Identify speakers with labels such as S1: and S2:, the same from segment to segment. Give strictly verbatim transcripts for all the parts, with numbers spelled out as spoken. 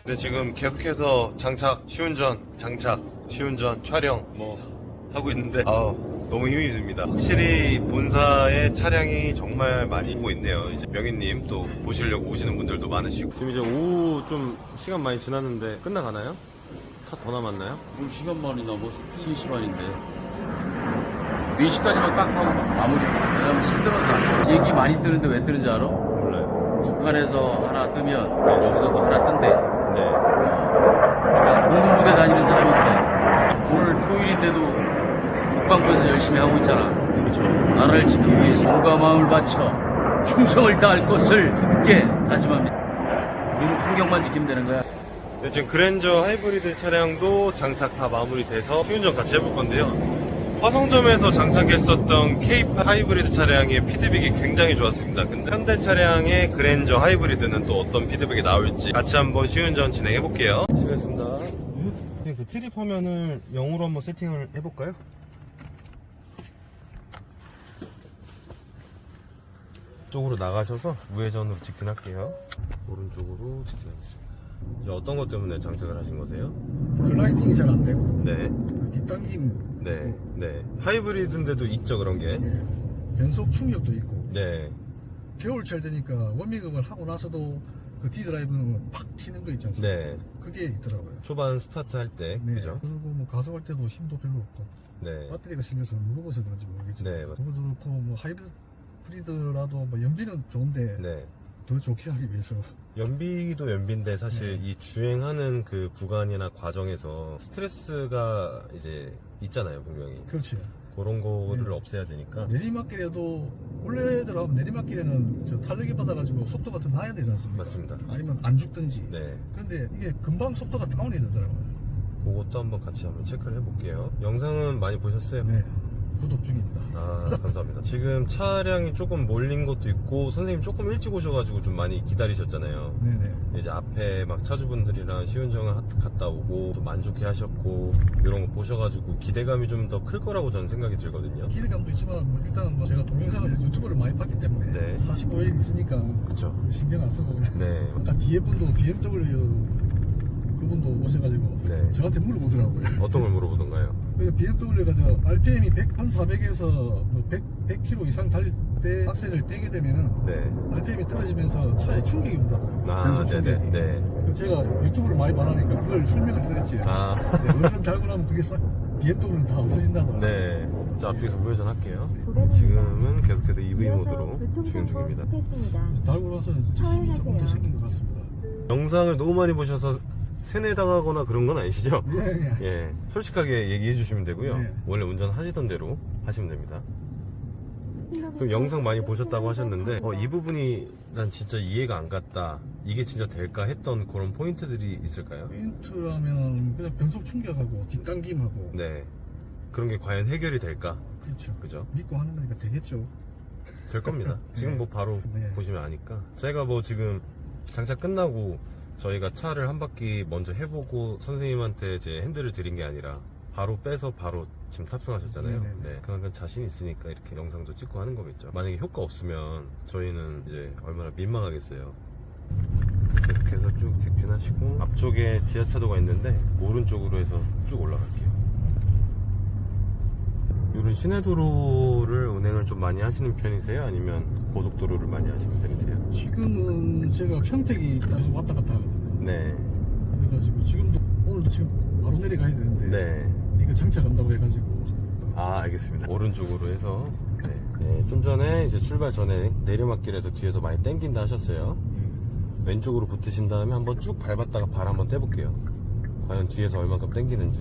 S1: 네, 지금 계속해서 장착, 시운전, 장착, 시운전, 촬영 뭐 하고 있는데 아 너무 힘이 듭니다. 확실히 본사의 차량이 정말 많이 오고 있네요. 이제 명희님 또 보시려고 오시는 분들도 많으시고 지금 이제 오후 좀 시간 많이 지났는데 끝나가나요? 차 더 남았나요?
S2: 뭘 시간만이 넘어 세 시간인데 네 시까지만 딱 하고 마무리. 왜냐면 힘들어서 얘기 많이 뜨는데 왜 뜨는지 알아?
S1: 몰라요.
S2: 북한에서 하나 뜨면 여기서도 하나 뜬대.
S1: 네.
S2: 그러니까 공군부대 다니는 사람인데 오늘 토요일인데도 국방부에서 열심히 하고 있잖아.
S1: 그렇죠.
S2: 나라를 지키기 위해서 몸과 마음을 바쳐 충성을 다할 것을 굳게 다짐합니다. 우리는 환경만 지키면 되는 거야.
S1: 네, 지금 그랜저 하이브리드 차량도 장착 다 마무리돼서 시운전 같이 해볼 건데요. 화성점에서 장착했었던 케이팔 하이브리드 차량의 피드백이 굉장히 좋았습니다. 근데 현대 차량의 그랜저 하이브리드는 또 어떤 피드백이 나올지 같이 한번 시운전 진행해 볼게요. 시작했습니다. 네, 그 트립 화면을 영어로 한번 세팅을 해볼까요? 쪽으로 나가셔서 우회전으로 직진할게요. 오른쪽으로 직진하겠습니다. 이제 어떤 것 때문에 장착을 하신 거세요?
S3: 글라이딩이 잘 안 되고
S1: 네,
S3: 뒷당김,
S1: 네, 네. 하이브리드인데도 있죠 그런 게.
S3: 예, 변속 충격도 있고
S1: 네,
S3: 겨울철 되니까 워밍업을 하고 나서도 그 D드라이브는 팍 튀는 거 있지 않습니까?
S1: 네.
S3: 그게 있더라고요.
S1: 초반 스타트 할 때,
S3: 네.
S1: 그죠?
S3: 그리고 뭐 가속할 때도 힘도 별로 없고
S1: 네,
S3: 배터리가 실려서 무거워서 그런지 모르겠지만
S1: 네, 맞-
S3: 그것도 그렇고 뭐 하이브리드라도 뭐 연비는 좋은데
S1: 네.
S3: 더 좋게 하기 위해서
S1: 연비도 연비인데 사실
S3: 네.
S1: 이 주행하는 그 구간이나 과정에서 스트레스가 이제 있잖아요, 분명히.
S3: 그렇지.
S1: 그런 거를
S3: 네.
S1: 없애야 되니까.
S3: 내리막길에도 원래대로 내리막길에는 저 탄력이 받아가지고 속도가 더 나야 되지 않습니까?
S1: 맞습니다.
S3: 아니면 안 죽든지.
S1: 네.
S3: 그런데 이게 금방 속도가 다운이 되더라고요.
S1: 그것도 한번 같이 한번 체크를 해볼게요. 영상은 많이 보셨어요?
S3: 네, 구독 중입니다.
S1: 아, 감사합니다. 지금 차량이 조금 몰린 것도 있고, 선생님 조금 일찍 오셔가지고 좀 많이 기다리셨잖아요.
S3: 네네.
S1: 이제 앞에 막 차주분들이랑 시운전을 하- 갔다 오고, 또 만족해 하셨고, 이런 거 보셔가지고 기대감이 좀 더 클 거라고 저는 생각이 들거든요.
S3: 기대감도 있지만 뭐 일단 뭐 제가 동영상을 유튜브를 많이 봤기 때문에
S1: 네.
S3: 사십오 일 있으니까
S1: 그쵸.
S3: 신경 안 쓰고 그냥
S1: 네.
S3: 아까 뒤에 분도 비엠더블유 그분도 오셔가지고
S1: 네.
S3: 저한테 물어보더라고요.
S1: 어떤 걸 물어보던가요?
S3: 비엠더블유가 저 알피엠이 천사백에서 뭐 백, 백 킬로미터 이상 달릴 때 악셀을 떼게 되면은
S1: 네.
S3: 알피엠이 떨어지면서 차에 충격이 온다더라고요.
S1: 아,
S3: 변속 충격이.
S1: 네네. 네.
S3: 그래서 제가 유튜브를 많이 봐라니까 그걸 설명을 드렸지.
S1: 아.
S3: 네, 얼른 달고 나면 그게 싹 비엠더블유는 다 없어진다더라고요.
S1: 네. 자, 앞쪽에서 우회전 할게요. 지금은 계속해서 이브이 모드로 주행 중입니다.
S3: 달고 나서 힘이 조금 더 생긴 것 같습니다.
S1: 영상을 너무 많이 보셔서 세뇌당하거나 그런 건 아니시죠?
S3: 예, 예.
S1: 예, 솔직하게 얘기해 주시면 되고요.
S3: 네.
S1: 원래 운전하시던 대로 하시면 됩니다. 그럼 영상 많이 보셨다고 하셨는데 어, 이 부분이 난 진짜 이해가 안 갔다, 이게 진짜 될까 했던 그런 포인트들이 있을까요?
S3: 포인트라면 그냥 변속 충격하고 뒷당김하고
S1: 네, 그런 게 과연 해결이 될까?
S3: 그렇죠.
S1: 그죠?
S3: 믿고 하는 거니까 되겠죠.
S1: 될 겁니다. 지금
S3: 네.
S1: 뭐 바로
S3: 네.
S1: 보시면 아니까. 제가 뭐 지금 장착 끝나고 저희가 차를 한 바퀴 먼저 해보고 선생님한테 제 핸들을 드린 게 아니라 바로 빼서 바로 지금 탑승하셨잖아요.
S3: 네네네.
S1: 네, 그만큼 자신 있으니까 이렇게 영상도 찍고 하는 거겠죠. 만약에 효과 없으면 저희는 이제 얼마나 민망하겠어요. 계속해서 쭉 직진하시고 앞쪽에 지하차도가 있는데 오른쪽으로 해서 쭉 올라갈게요. 이런 시내도로를 운행을 좀 많이 하시는 편이세요? 아니면 고속도로를 많이 하시는 편이세요?
S3: 지금은 제가 평택이까지 왔다 갔다 하거든요.
S1: 네.
S3: 그래가지고 지금도 오늘도 지금 바로 내려가야 되는데
S1: 네.
S3: 이거 정차간다고 해가지고
S1: 아, 알겠습니다. 오른쪽으로 해서 네. 네, 좀 전에 이제 출발 전에 내리막길에서 뒤에서 많이 땡긴다 하셨어요. 왼쪽으로 붙으신 다음에 한번 쭉 밟았다가 발 한번 떼볼게요. 과연 뒤에서 얼만큼 땡기는지.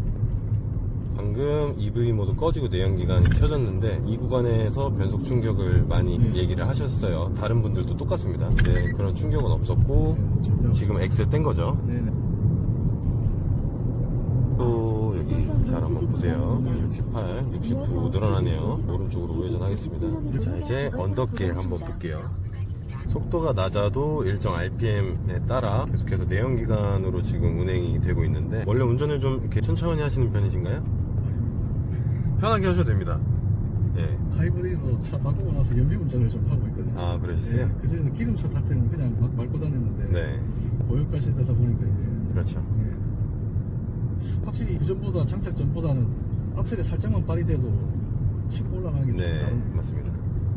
S1: 방금 이브이 모드 꺼지고 내연기관이 켜졌는데 이 구간에서 변속 충격을 많이
S3: 네.
S1: 얘기를 하셨어요. 다른 분들도 똑같습니다. 네, 그런 충격은 없었고
S3: 네, 전혀
S1: 지금 엑셀 뗀 거죠.
S3: 네네.
S1: 또 여기 잘 한번 보세요. 육십팔, 육십구 늘어나네요. 오른쪽으로 우회전하겠습니다. 자, 이제 언더길 한번 볼게요. 속도가 낮아도 일정 알피엠에 따라 계속해서 내연기관으로 지금 운행이 되고 있는데 원래 운전을 좀 이렇게 천천히 하시는 편이신가요? 편하게 하셔도 됩니다. 예.
S3: 하이브리드도 차 바꾸고 나서 연비 운전을 좀 하고 있거든요.
S1: 아, 그러셨어요?
S3: 네, 그전에는 기름차 탈 때는 그냥 막 밟고 다녔는데
S1: 네.
S3: 고유가시 되다 보니까
S1: 그렇죠.
S3: 예. 확실히 이전보다 장착 전보다는 악셀에 살짝만 발휘돼도 치고 올라가는 게 좀
S1: 네,
S3: 다른.
S1: 맞습니다.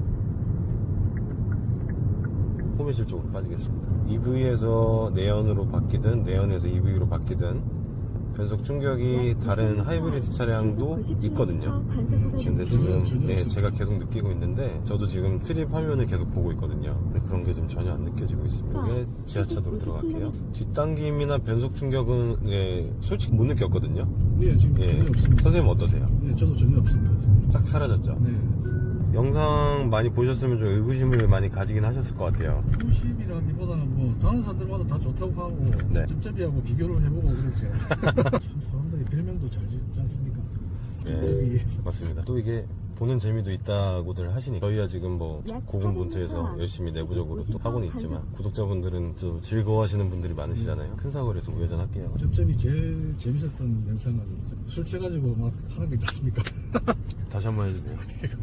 S1: 호미실 쪽으로 빠지겠습니다. 이브이에서 내연으로 바뀌든 내연에서 이브이로 바뀌든 변속 충격이 다른 하이브리드 차량도 있거든요. 근데 지금 네, 제가 계속 느끼고 있는데 저도 지금 트립 화면을 계속 보고 있거든요. 근데 그런 게 좀 전혀 안 느껴지고 있습니다. 이게 지하차도로 들어갈게요. 뒷당김이나 변속 충격은 네, 솔직히 못 느꼈거든요.
S3: 예, 지금
S1: 예,
S3: 전혀 없습니다.
S1: 선생님 어떠세요?
S3: 예, 저도 전혀 없습니다. 지금.
S1: 싹 사라졌죠?
S3: 네.
S1: 영상 많이 보셨으면 좀 의구심을 많이 가지긴 하셨을 것 같아요.
S3: 구십이라기보다는 뭐 다른 사람들마다 다 좋다고 하고
S1: 네.
S3: 쩝쩝이하고 비교를 해보고 그랬어요. 참 사람들이 별명도 잘 짓지 않습니까? 쩝쩝이.
S1: 네, 맞습니다. 또 이게 보는 재미도 있다고들 하시니 저희야 지금 뭐 고군분투해서 열심히 내부적으로 또 하고는 있지만 구독자분들은 또 즐거워하시는 분들이 많으시잖아요. 큰 사고에서 우회전할게요.
S3: 쩝쩝이 제일 재밌었던 영상은 술 취해가지고 막 하는 거 있지 않습니까?
S1: 다시 한번 해주세요.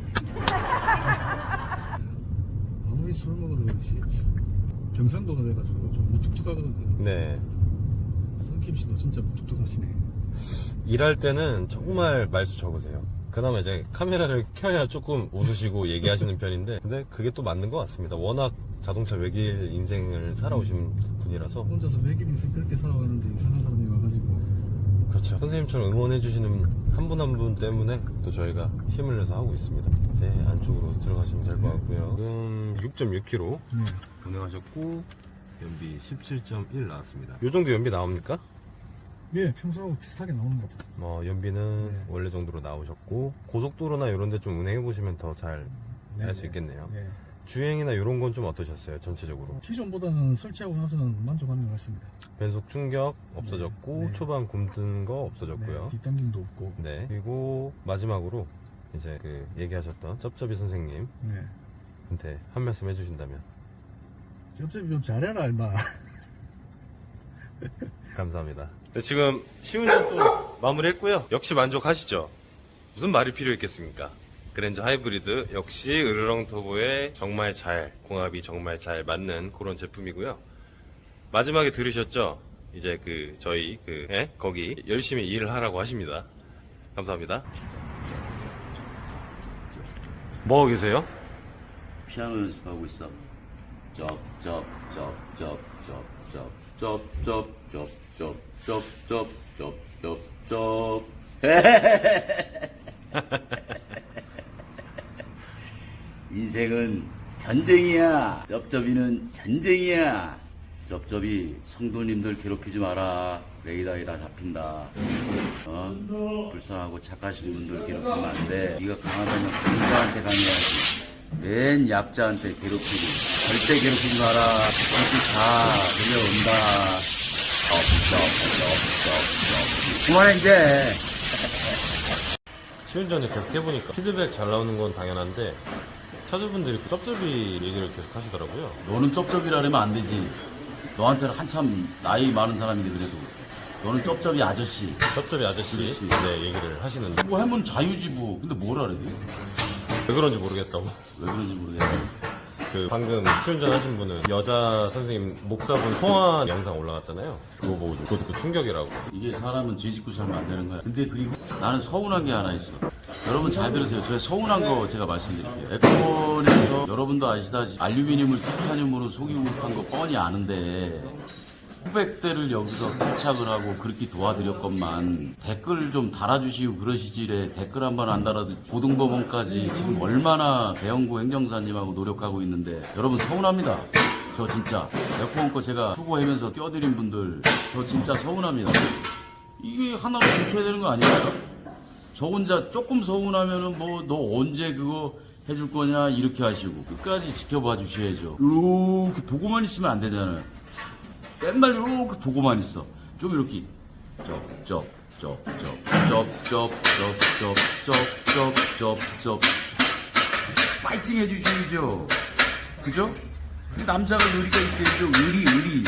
S3: 아무리 술 먹어도 그렇지 경상도가 돼가지고 좀 무뚝뚝하거든요.
S1: 네.
S3: 성킴 씨도 진짜 무뚝뚝하시네.
S1: 일할 때는 정말 말수 적으세요. 그나마 이제 카메라를 켜야 조금 웃으시고 얘기하시는 편인데 근데 그게 또 맞는 것 같습니다. 워낙 자동차 외길 인생을 살아오신 분이라서.
S3: 혼자서 외길 인생 그렇게 살아왔는데 이상한 사람이 와가지고.
S1: 그렇죠. 선생님처럼 응원해주시는 한 분 한 분 때문에 또 저희가 힘을 내서 하고 있습니다. 이제 안쪽으로 들어가시면 될 것 같고요. 지금 육 점 육 킬로미터
S3: 네.
S1: 운행하셨고 연비 십칠 점 일 나왔습니다. 요 정도 연비 나옵니까?
S3: 예, 평소하고 비슷하게 나오는 것 같아요.
S1: 뭐 연비는
S3: 네.
S1: 원래 정도로 나오셨고 고속도로나 이런 데 좀 운행해 보시면 더 잘 알 수
S3: 네,
S1: 있겠네요.
S3: 네.
S1: 주행이나 이런 건 좀 어떠셨어요? 전체적으로
S3: 기존보다는 설치하고 나서는 만족하는 것 같습니다.
S1: 변속 충격 없어졌고
S3: 네.
S1: 초반 굼뜬 거 없어졌고요.
S3: 네, 뒷당김도 없고.
S1: 네. 그리고 마지막으로 이제 그 얘기하셨던 쩝쩝이 선생님한테
S3: 네.
S1: 한 말씀 해주신다면.
S3: 쩝쩝이 좀 잘해라, 임마.
S1: 감사합니다. 네, 지금 시운전 또 마무리했고요. 역시 만족하시죠? 무슨 말이 필요 있겠습니까? 그랜저 하이브리드 역시 으르렁 터보에 정말 잘 공합이 정말 잘 맞는 그런 제품이고요. 마지막에 들으셨죠? 이제 그 저희 그 예? 거기 열심히 일을 하라고 하십니다. 감사합니다. 뭐 하고 계세요?
S2: 피아노 연습하고 있어. 쩝쩝쩝쩝쩝쩝쩝쩝쩝쩝쩝쩝쩝쩝쩝 인생은 전쟁이야. 쩝쩝이는 전쟁이야. 쩝쩝이 성도님들 괴롭히지 마라. 레이더에다 잡힌다. 어? 불쌍하고 착하신 분들 괴롭히면 안 돼. 네가 강하다면 강자한테 강해야지. 맨 약자한테 괴롭히고 절대 괴롭히지 마라. 이렇게 다 들려온다. 쩝쩝쩝쩝쩝 그만해 이제.
S1: 시운전을 계속 해보니까 피드백 잘 나오는 건 당연한데 차주분들이 그 쩝쩝이 얘기를 계속 하시더라고요.
S2: 너는 쩝쩝이라 그러면 안 되지. 너한테는 한참 나이 많은 사람인데 그래도 너는 쩝쩝이 아저씨.
S1: 쩝쩝이 아저씨
S2: 그렇지.
S1: 네, 얘기를 하시는데
S2: 뭐 하면 자유지 뭐. 근데 뭐라 그래?
S1: 왜 그런지 모르겠다고.
S2: 왜 그런지 모르겠네.
S1: 그 방금 시운전 하신 분은 여자 선생님 목사분 통화 영상 올라갔잖아요. 그거 보고 그거 듣고 충격이라고.
S2: 이게 사람은 죄 짓고 살면 안 되는 거야. 근데 그리고 나는 서운한 게 하나 있어. 여러분 잘 들으세요. 제가 서운한 거 제가 말씀드릴게요. 에코원에서 여러분도 아시다시피 알루미늄을 티타늄으로 속이고 한 거 뻔히 아는데 수백 대를 여기서 탈착을 하고 그렇게 도와드렸건만 댓글 좀 달아주시고 그러시지래. 댓글 한 번 안 달아도 고등법원까지 지금 얼마나 배영구 행정사님하고 노력하고 있는데 여러분 서운합니다. 저 진짜 에코원 거 제가 수고하면서 띄워드린 분들 저 진짜 서운합니다. 이게 하나로 고쳐야 되는 거 아닌가요? 저 혼자 조금 서운하면은 뭐 너 언제 그거 해줄 거냐 이렇게 하시고 끝까지 지켜봐 주셔야죠. 이렇게 보고만 있으면 안 되잖아요. 맨날 이렇게 보고만 있어. 좀 이렇게 쩝쩝쩝쩝쩝쩝쩝쩝쩝쩝쩝 파이팅 해주셔야죠. 그죠? 남자가 의리가 있어야죠. 의리 의리.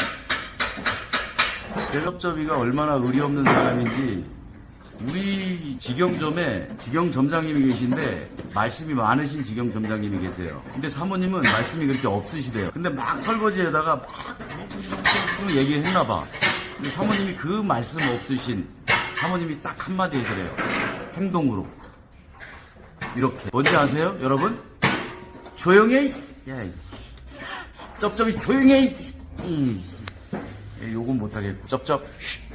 S2: 쩝쩝이가 얼마나 의리 없는 사람인지 우리 직영점에 직영점장님이 계신데 말씀이 많으신 직영점장님이 계세요. 근데 사모님은 말씀이 그렇게 없으시대요. 근데 막 설거지에다가 막 얘기했나봐. 근데 사모님이 그 말씀 없으신 사모님이 딱 한마디 해서래요. 행동으로. 이렇게. 뭔지 아세요, 여러분? 조용해, 이씨. 야, 이 쩝쩝이 조용해, 이 씨. 이 씨. 요건 못하겠고. 쩝쩝. 쉿.